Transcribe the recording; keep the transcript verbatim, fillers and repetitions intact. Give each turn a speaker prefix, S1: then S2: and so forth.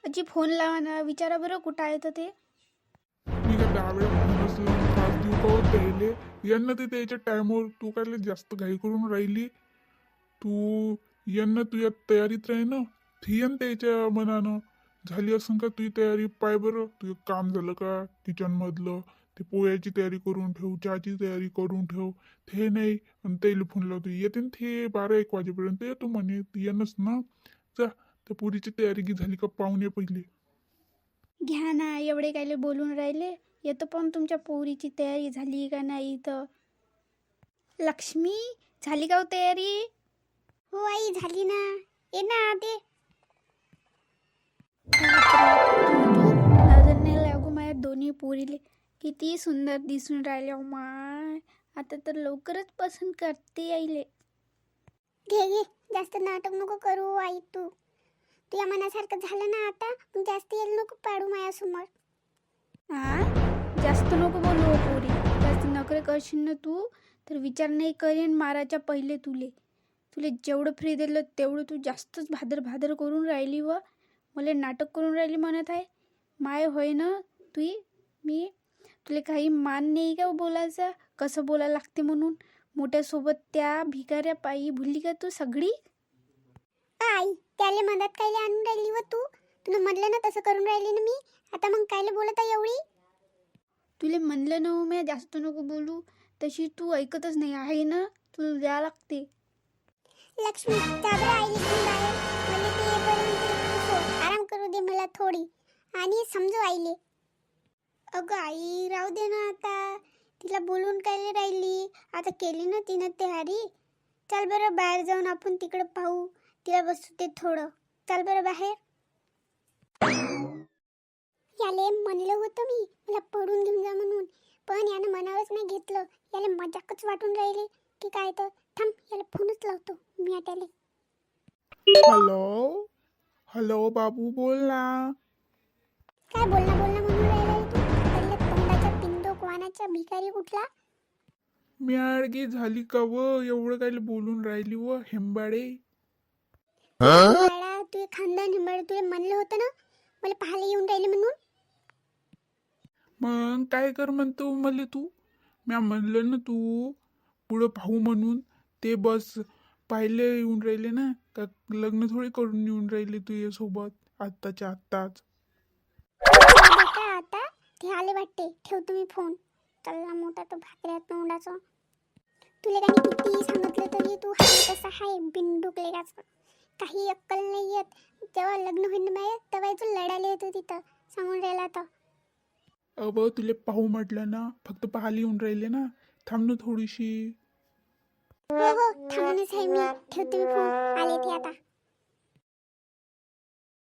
S1: आजी फोन लावा ना, विचारा बरं कुठं आहे तर ते.
S2: मी काय दहावेळा फोनच लावून त्रास देऊ का हो त्याले? यांना ते त्याच्या टायमावर तू काय लय जास्त घाई करून राहिली. तू यांना तुझ्या तयारीत राही ना, थियन त्याच्या मनानं झाली असं का तुझी तयारी? पाय बरं तुझं काम झालं का किचन मधलं? ते पोळ्याची तयारी करून ठेव, चहाची तयारी करून ठेव. ते नाही आणि त्याला फोन लावतो, येते ना ते बारा एक वाजेपर्यंत येतो म्हणे, येणच ना. जा त्या पुरीची तयारी की झाली का पाहुणे पहिले.
S1: घ्या ना, एवढे कायले बोलून राहिले. येतो पण तुमच्या पोरीची तयारी झाली का नाही तर. लक्ष्मी, झाली का हो तयारी?
S3: हो आई, झाली ना. ये ना ते.
S1: नजर नाही लागू माझ्या दोन्ही पोरीले. किती सुंदर दिसून राहिले हो माय. आता तर लवकरच पसंत करते आईले.
S3: घे घे, जास्त नाटक नको करू आई. तू तुझ्या मनासारखं झालं ना आता, मग जास्त येल नको पाडू माझ्यासमोर.
S1: हा, जास्त नको बोलू हो पोरी. जास्त नखरे करशील ना तू तर विचार नाही करेन माराच्या पहिले तुले. तुले जेवढं फ्री दिलं तेवढं तू जास्तच भादर भादर करून राहिली व मला नाटक करून राहिली म्हणत आहे. माय होय ना तुई. मी तुला काही मान नाही का बोलायचा, कसं बोलायला लागते म्हणून. मोठ्यासोबत त्या भिकाऱ्या पायी भुलली का तू सगळी?
S3: आई, त्याले मदत कायले आणून राहिली व तू? तुला म्हणलं ना तसं करून राहिली ना मी. आता मग कायले बोलत आहे एवढी?
S1: तुले म्हणलं ना मी जास्त नको बोलू, तशी तू ऐकतच नाही आहे ना. तुला द्या लागते.
S3: लक्ष्मी, जा बरं आईले घेऊन बाहेर. मला ते येईपर्यंत सो- आराम करू दे मला थोडी, आणि समजू आईले. अगं आई, राहू दे ना आता. तिला बोलून कायले राहिली? आता केली ना तिनं तयारी. चल बरं बाहेर जाऊन आपण तिकडं पाहू. तिला बसू दे थोडं. चल बरं बाहेर. याले म्हणलं होतं मी मला पडून घेऊन जा म्हणून, पण यानं मनावरच नाही घेतलं. याला मजाकच वाटून राहिली की काय तर. थांब, याला फोनच लावतो मी आता.
S2: हॅलो हॅलो बाबू बोल ना.
S3: काय बोलना बोलना म्हणून राहिला तू? त्याला तोंडाच्या पिंडोक वानाच्या भिकारी कुठला?
S2: म्याडगी झाली का व? एवढं काय बोलून राहिली व हेंबाडे?
S3: बाळा, तुझे खानदान हिंबाळ. तुला म्हणलं होतं ना मला पाहायला येऊन राहिले म्हणून.
S2: मग काय कर म्हणतो मला तू? म्या म्हणलं ना तू पुढं पाहू म्हणून. ते बस पाहिले येऊन राहिले ना का लग्न थोडी करून येऊन राहिले तुझ्या सोबत आत्ताच्या आत्ताच.
S3: जाऊ दे का आता? ते आले वाटते. ठेव तुम्ही फोन. चल्ला मोठा तो भाकऱ्या तोंडाचा. तुला काही किती सांगितलं तरी तू हाय तसा हाय बिनडूक लेगाचा. काही अक्कल नाही येत. जेव्हा लग्न होईन बाय तेव्हा तू लढायला येतो तिथं सांगून राहिला तर.
S2: अव तुले पाहू म्हटलं ना, फक्त पाहायला येऊन राहिले ना. थांब ना थोडीशी.
S3: हो हो, थांबूनच आहे मी. ठेवते मी फोन. आले ते आता.